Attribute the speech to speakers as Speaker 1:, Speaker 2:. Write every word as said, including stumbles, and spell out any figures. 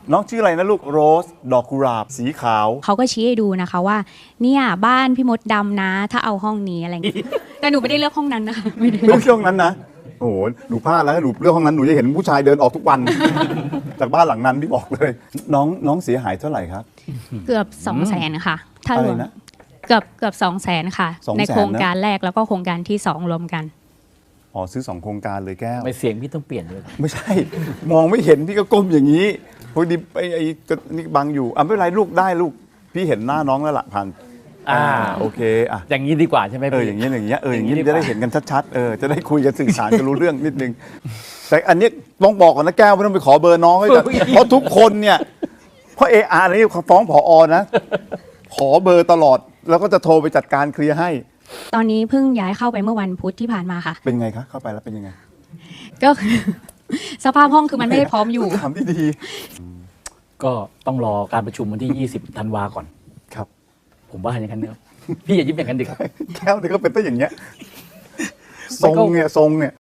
Speaker 1: น้องชื่ออะไรนะลูกโรสดอกกุหลาบสีขาว
Speaker 2: เขาก็ชี้ให้ดูนะคะว่าเนี่ยบ้านพี่มดดำนะ ถ้าเอาห้องนี้อะไรอย่างเงี้ยแต่หนูไม่ได้เลือกห้องนั้นนะคะไม่ได้
Speaker 1: เลือกช่วงนั้นนะโอ้โหหนูพลาดแล้วหนูเลือกห้องนั้นหนูจะเห็นผู้ชายเดินออกทุกวัน จากบ้านหลังนั้นพี่บอกเลย น้องน้องเสียหายเท่าไหร่ครับ
Speaker 2: เกือบสองแสนค่ะถ้ารวม
Speaker 1: อะไรนะ
Speaker 2: เกือบเกือบสองแสนค่ะ
Speaker 1: สองแสน
Speaker 2: ในโครง
Speaker 1: นะ
Speaker 2: การแรกแล้วก็โครงการที่สองรวมกัน
Speaker 1: อ๋อซื้อสองโครงการเลยแก้ว
Speaker 3: ไม่เสียงพี่ต้องเปลี่ยนเลย
Speaker 1: ไม่ใช่ มองไม่เห็นพี่ก็ก้มอย่างนี้พอดีไอ้ไอ้ก็นี่บังอยู่อ่ะไม่เป็นไรลูกได้ลูกพี่เห็นหน้าน้องแล้วล่ะพัน
Speaker 3: อ่า
Speaker 1: โอเคอ่ะ
Speaker 3: อย่างนี้ดีกว่าใช่ไหม
Speaker 1: เออ
Speaker 3: พี่
Speaker 1: อย่างเงี้ยอย่างเงี้ยเอออย่างงี้
Speaker 3: อย่างงี้
Speaker 1: จะได้
Speaker 3: ดีกว่า
Speaker 1: เห็นกันชัดๆเออจะได้คุยกันสื่อสารกันรู้เรื่องนิดนึงแต่อันนี้ต้องบอกก่อนนะแก้วไม่ต้องไปขอเบอร์น้องให้กันเพราะทุกคนเนี่ยเพราะเออาร์นี่ฟ้องผอนะขอเบอร์ตลอดแล้วก็จะโทรไปจัดการเคลียร์ให้
Speaker 2: ตอนนี้เพิ่งย้ายเข้าไปเมื่อวันพุธที่ผ่านมาค่ะ
Speaker 1: เป็นไงคะเข้าไปแล้วเป็นยังไง
Speaker 2: ก็คือ สภาพห้องคือมันไม่ได้พร้อมอยู่
Speaker 1: ถามที่ดี
Speaker 3: ก็ต้องรอการประชุมวันที่ ยี่สิบ ธันวาก่อน
Speaker 1: ครับ
Speaker 3: ผมว่าอย่างนั้นเนอะพี่อย่ายิ้มอย่างนั้นดิครับ
Speaker 1: แก้วเนี่ยก็เป็นต้นอย่างเงี้ยทรงเนี่ยทรงเนี่ย